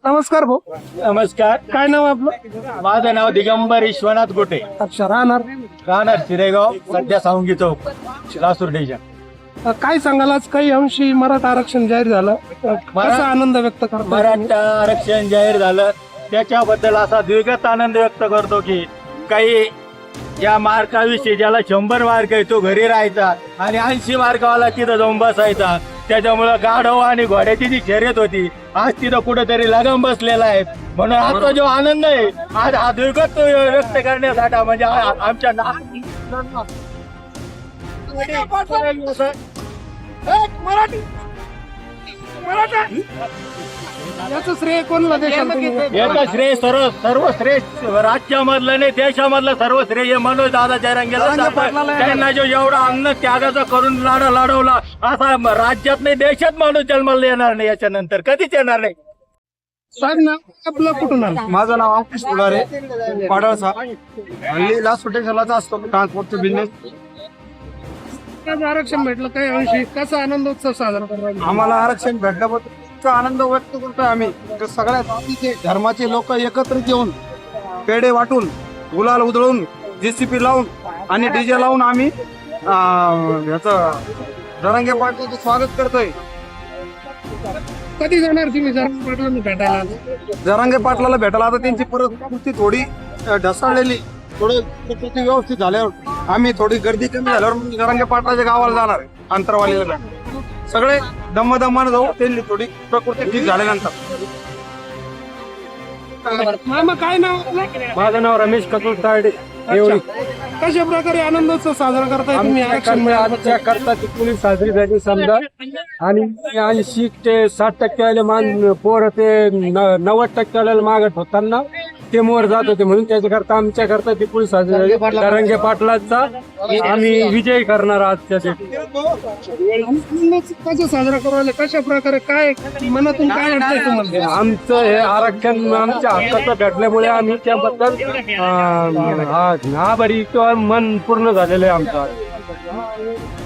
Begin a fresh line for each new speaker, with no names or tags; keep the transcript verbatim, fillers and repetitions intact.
नमस्कार भाऊ.
नमस्कार.
काय नाव आपलं?
माझं नाव दिगंबर विश्वनाथ गोटे.
अच्छा, राहणार
राहणार शिरेगाव, सध्या सावंगी चौक, लासूर डिव्हिजन.
अ, काय सांगाल, आज काही अंशी मराठा आरक्षण जाहीर झालं, अ, कसा आनंद व्यक्त करतो?
मराठा आरक्षण जाहीर झालं त्याच्याबद्दल असा द्विगत आनंद व्यक्त करतो की काही या मार्काविषयी ज्याला शंभर मार्क आहे तो घरी राहायचा आणि ऐंशी मार्कावाला तिथं जाऊन बसायचा. त्याच्यामुळं गाढव आणि घोड्याची जी शर्यत होती आज तिथं कुठेतरी लगम बसलेला आहे. म्हणून आजचा जो आनंद आहे आज हा द्विगत व्यक्त करण्यासाठी म्हणजे आ- आमच्या ना
याचं श्रेय कोणला देशाल तुम्ही?
याचं श्रेय सर्व सर्व श्रेष्ठ राज्यामधलं नाही देशामधलं सर्व श्रेय हे मनोज दादा जयरंगेला जातं. त्यांना जो एवढा अन्न त्यागाचा करून लाडा लाडवला असा राज्यात नाही देशात माणूस जन्माला येणार नाही, याच्यानंतर कधीच येणार नाही.
साहेब, नाव आपलं कुठून आलं?
माझं नाव अंकुश फुलारे, पाडळचा. हल्ली लास्ट स्टेशनलाच असतो ट्रान्सपोर्टचा बिझनेस.
आज आरक्षण भेटलं, काही अंशी कसा आनंदोत्सव साजरा करतो?
आम्हाला आरक्षण भेटल्याबद्दल इतका आनंद व्यक्त करतोय आम्ही. तर सगळ्या जातीचे धर्माचे लोक एकत्रित येऊन पेढे वाटून, गुलाल उधळून, जेसीपी लावून आणि डीजे लावून आम्ही अं, याचं जरांगे पाटलाचं स्वागत करतोय.
कधी जाणार तुम्ही जरा पाटलांना भेटायला?
जरांगे पाटलाला भेटायला आता त्यांची परिस्थिती थोडी अं, ढसाळलेली, थोडं परिस्थिती व्यवस्थित झाल्यावर आम्ही थोडी गर्दी कमी झाल्यावर मग जरांगे पाटलाच्या गावाला जाणार आहे, अंतरवालीला भेट. सगळे दमदमानं जाऊ, त्यांनी थोडी प्रकृती ठीक झाल्यानंतर.
मामा, काय नाव आपलं?
माझं नाव रमेश कपूर तायडे.
अच्छा. कशा प्रकारे आनंदोत्सव साजरा करताय तुम्ही आरक्षण मिळालं?
आमच्या करता ती पोलीस साजरी झाली समजा, आणि ऐंशी ते साठ टक्के मान पोर ते न- नव्वद टक्के मागत होताना ते मोर जात होते, म्हणून त्याच्याकरता आमच्या करता ती पोलीस साजरी झाली. तरंगे पाटलाचा आम्ही विजय करणार आजच्या दिवशी.
आनंदोत्सव कसा साजरा करायला, कशा प्रकारे, काय मनातून काय वाटतंय तुम्हाला?
आमचं हे आरक्षण आमच्या हक्काचं भेटल्यामुळे आम्ही त्याबद्दल अं, आ- आभारी किंवा मन पूर्ण झालेलं आहे आमचं.